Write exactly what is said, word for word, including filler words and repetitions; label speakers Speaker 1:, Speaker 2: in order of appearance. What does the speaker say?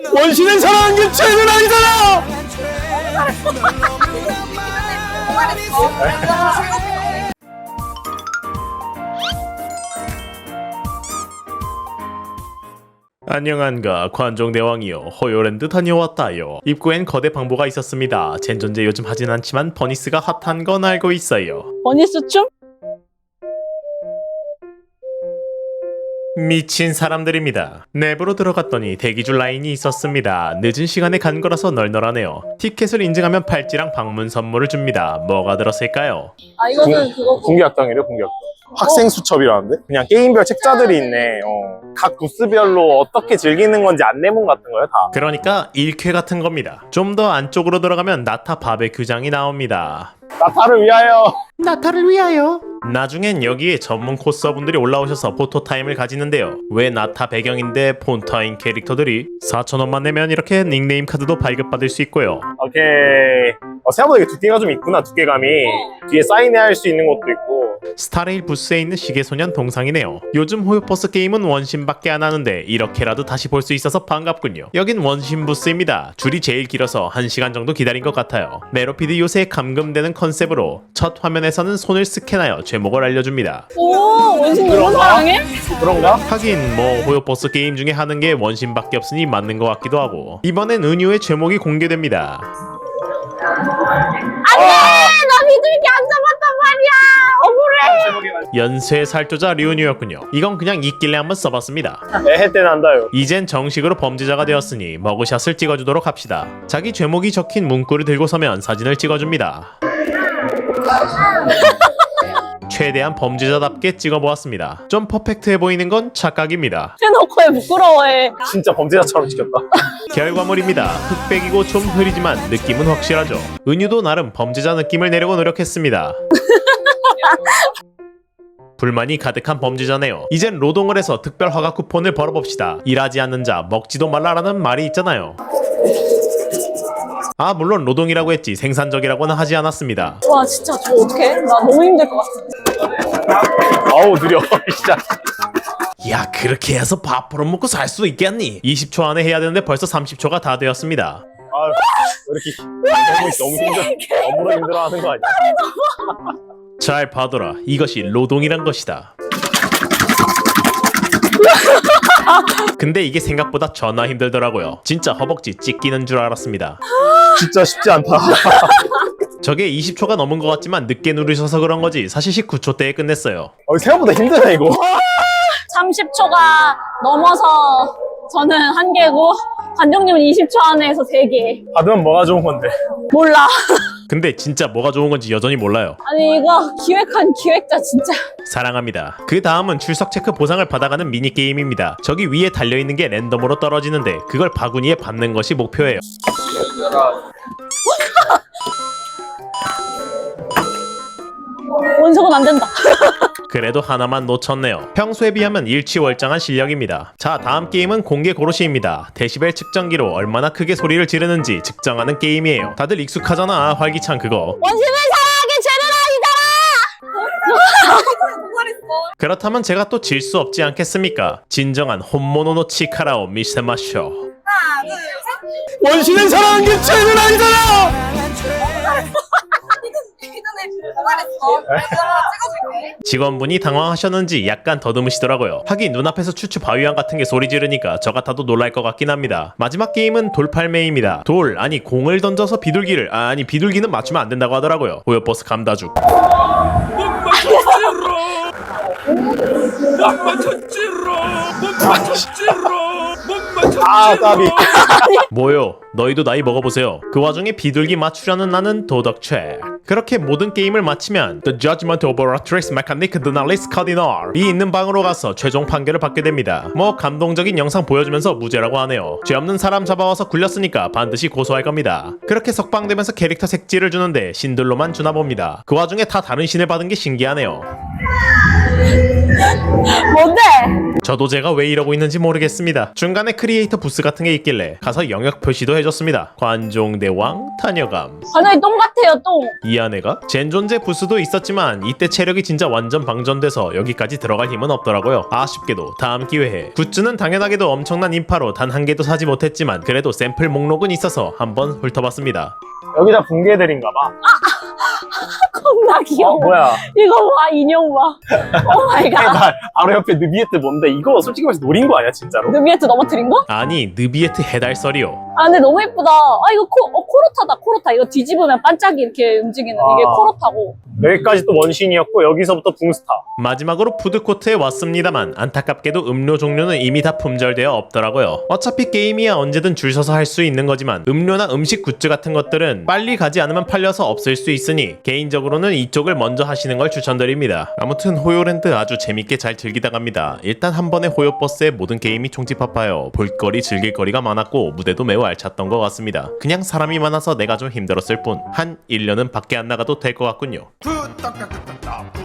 Speaker 1: 원신을 사랑한 게 죄는 아니잖아. 안녕한가 관종대왕이요. 호요랜드 다녀왔다요. 입구엔 거대 방보가 있었습니다. 젠존제 요즘 하진 않지만 버니스가 핫한 건 알고 있어요.
Speaker 2: 버니스 춤?
Speaker 1: 미친 사람들입니다. 내부로 들어갔더니 대기줄 라인이 있었습니다. 늦은 시간에 간 거라서 널널하네요. 티켓을 인증하면 팔찌랑 방문 선물을 줍니다. 뭐가 들었을까요?
Speaker 2: 아 이거는 그거고.
Speaker 3: 공개학당이래 공개학당. 학생 수첩이라는데? 그냥 게임별 책자들이 있네. 어. 각 부스별로 어떻게 즐기는 건지 안내문 같은 거요 다.
Speaker 1: 그러니까 일쾌 같은 겁니다. 좀 더 안쪽으로 들어가면 나타 바베큐장이 나옵니다.
Speaker 3: 나타를 위하여.
Speaker 1: 나타를 위하여. 나중엔 여기에 전문 코스어분들이 올라오셔서 포토타임을 가지는데요. 왜 나타 배경인데 폰타인 캐릭터들이 사천 원만 내면 이렇게 닉네임 카드도 발급받을 수 있고요.
Speaker 3: 오케이. 어, 생각보다 이게 두께가 좀 있구나. 두께감이. 뒤에 사인회 할 수 있는 것도 있고.
Speaker 1: 스타레일 부스에 있는 시계소년 동상이네요. 요즘 호요버스 게임은 원신밖에 안 하는데 이렇게라도 다시 볼 수 있어서 반갑군요. 여긴 원신 부스입니다. 줄이 제일 길어서 한 시간 정도 기다린 것 같아요. 메로피드 요새에 감금되는 컨셉으로 첫 화면에서는 손을 스캔하여 제목을 알려줍니다.
Speaker 2: 오 원신 너무
Speaker 3: 그런가?
Speaker 2: 사랑해?
Speaker 3: 그런가?
Speaker 1: 하긴 뭐 호요버스 게임 중에 하는 게 원신밖에 없으니 맞는 것 같기도 하고. 이번엔 은유의 제목이 공개됩니다.
Speaker 2: 안돼! 나 비둘기 안 잡았단 말이야! 억울해!
Speaker 1: 연쇄 살조자 류은유였군요. 이건 그냥 있길래 한번 써봤습니다.
Speaker 3: 애해 때 난다요.
Speaker 1: 이젠 정식으로 범죄자가 되었으니 머그샷을 찍어주도록 합시다. 자기 제목이 적힌 문구를 들고 서면 사진을 찍어줍니다. 최대한 범죄자답게 찍어보았습니다. 좀 퍼펙트해 보이는 건 착각입니다.
Speaker 2: 해놓고 해 부끄러워해.
Speaker 3: 진짜 범죄자처럼 찍혔다.
Speaker 1: 결과물입니다. 흑백이고 좀 흐리지만 느낌은 확실하죠. 은유도 나름 범죄자 느낌을 내려고 노력했습니다. 불만이 가득한 범죄자네요. 이젠 노동을 해서 특별 허가 쿠폰을 벌어봅시다. 일하지 않는 자 먹지도 말라라는 말이 있잖아요. 아 물론 노동이라고 했지 생산적이라고는 하지 않았습니다.
Speaker 2: 와 진짜 저 어떡해? 나 너무 힘들 것 같아.
Speaker 3: 아우 느려. 진짜.
Speaker 1: 야 그렇게 해서 밥 벌어먹고 살 수 있겠니? 이십 초 안에 해야 되는데 벌써 삼십 초가 다 되었습니다.
Speaker 3: 아 왜 이렇게 너무 너무 힘들어. 너무 힘들어하는 거 아니야?
Speaker 1: 잘 봐둬라. 이것이 노동이란 것이다. 근데 이게 생각보다 전화 힘들더라고요. 진짜 허벅지 찢기는 줄 알았습니다.
Speaker 3: 진짜 쉽지 않다.
Speaker 1: 저게 이십 초가 넘은 것 같지만 늦게 누르셔서 그런 거지 사실 십구 초대에 끝냈어요.
Speaker 3: 어, 생각보다 힘드네 이거.
Speaker 2: 삼십 초가 넘어서 저는 한 개고 관정님은 이십 초 안에 해서 세 개.
Speaker 3: 받으면 뭐가 좋은 건데.
Speaker 2: 몰라.
Speaker 1: 근데 진짜 뭐가 좋은 건지 여전히 몰라요.
Speaker 2: 아니 이거 기획한 기획자 진짜.
Speaker 1: 사랑합니다. 그 다음은 출석 체크 보상을 받아가는 미니게임입니다. 저기 위에 달려있는 게 랜덤으로 떨어지는데 그걸 바구니에 받는 것이 목표예요.
Speaker 2: 원석은 안 된다.
Speaker 1: 그래도 하나만 놓쳤네요. 평소에 비하면 일취월장한 실력입니다. 자 다음 게임은 공개 고로시입니다. 데시벨 측정기로 얼마나 크게 소리를 지르는지 측정하는 게임이에요. 다들 익숙하잖아 활기찬 그거.
Speaker 2: 원신을 사랑하기 죄는 아니잖아.
Speaker 1: 그렇다면 제가 또 질 수 없지 않겠습니까? 진정한 혼모노노 치카라오 미세마쇼.
Speaker 3: 원신을 사랑한 게 죄는 아니잖아.
Speaker 1: 직원분이 당황하셨는지 약간 더듬으시더라고요. 하긴 눈앞에서 추추 바위왕 같은 게 소리 지르니까 저 같아도 놀랄 것 같긴 합니다. 마지막 게임은 돌팔매입니다. 돌 아니 공을 던져서 비둘기를 아, 아니 비둘기는 맞추면 안 된다고 하더라고요. 호요버스 감다죽.
Speaker 3: 아 까비.
Speaker 1: 뭐요? 너희도 나이 먹어보세요. 그 와중에 비둘기 맞추려는 나는 도덕책. 그렇게 모든 게임을 마치면 The Judgment of Oratrix Mechanic Dunalis Cardinal 이 있는 방으로 가서 최종 판결을 받게 됩니다. 뭐 감동적인 영상 보여주면서 무죄라고 하네요. 죄 없는 사람 잡아와서 굴렸으니까 반드시 고소할 겁니다. 그렇게 석방되면서 캐릭터 색지를 주는데 신들로만 주나 봅니다. 그 와중에 다 다른 신을 받은 게 신기하네요.
Speaker 2: 뭔데?
Speaker 1: 저도 제가 왜 이러고 있는지 모르겠습니다. 중간에 크리에이터 부스 같은 게 있길래 가서 영역 표시도 해줬습니다. 관종대왕 타녀감.
Speaker 2: 완전히 똥 같아요, 똥.
Speaker 1: 이 안에가 젠존제 부스도 있었지만 이때 체력이 진짜 완전 방전돼서 여기까지 들어갈 힘은 없더라고요. 아쉽게도 다음 기회에. 굿즈는 당연하게도 엄청난 인파로 단 한 개도 사지 못했지만 그래도 샘플 목록은 있어서 한번 훑어봤습니다.
Speaker 3: 여기 다 붕괴들인가봐.
Speaker 2: 겁나 귀여워.
Speaker 3: 어, 뭐야.
Speaker 2: 이거 봐, 인형 봐. 오 마이 갓.
Speaker 3: 나 바로 옆에 느비에트 뭔데? 이거 솔직히 말해서 노린 거 아니야, 진짜로?
Speaker 2: 느비에트 넘어뜨린 거?
Speaker 1: 아니 느비에트 해달설이요.
Speaker 2: 아 근데 너무 예쁘다. 아 이거 코, 어, 코로타다 코로타. 이거 뒤집으면 반짝이 이렇게 움직이는 이게
Speaker 3: 아.
Speaker 2: 코로타고.
Speaker 3: 여기까지 또 원신이었고 여기서부터 붕스타.
Speaker 1: 마지막으로 푸드코트에 왔습니다만 안타깝게도 음료 종류는 이미 다 품절되어 없더라고요. 어차피 게임이야 언제든 줄 서서 할 수 있는 거지만 음료나 음식 굿즈 같은 것들은 빨리 가지 않으면 팔려서 없을 수 있으니 개인적으로는 이쪽을 먼저 하시는 걸 추천드립니다. 아무튼 호요랜드 아주 재밌게 잘 즐기다 갑니다. 일단 한 번에 호요버스에 모든 게임이 총집합하여 볼거리 즐길거리가 많았고 무대도 매우 알찼던 것 같습니다. 그냥 사람이 많아서 내가 좀 힘들었을 뿐 한 일 년은 밖에 안 나가도 될 것 같군요.
Speaker 4: 푸떡떡떡떡떡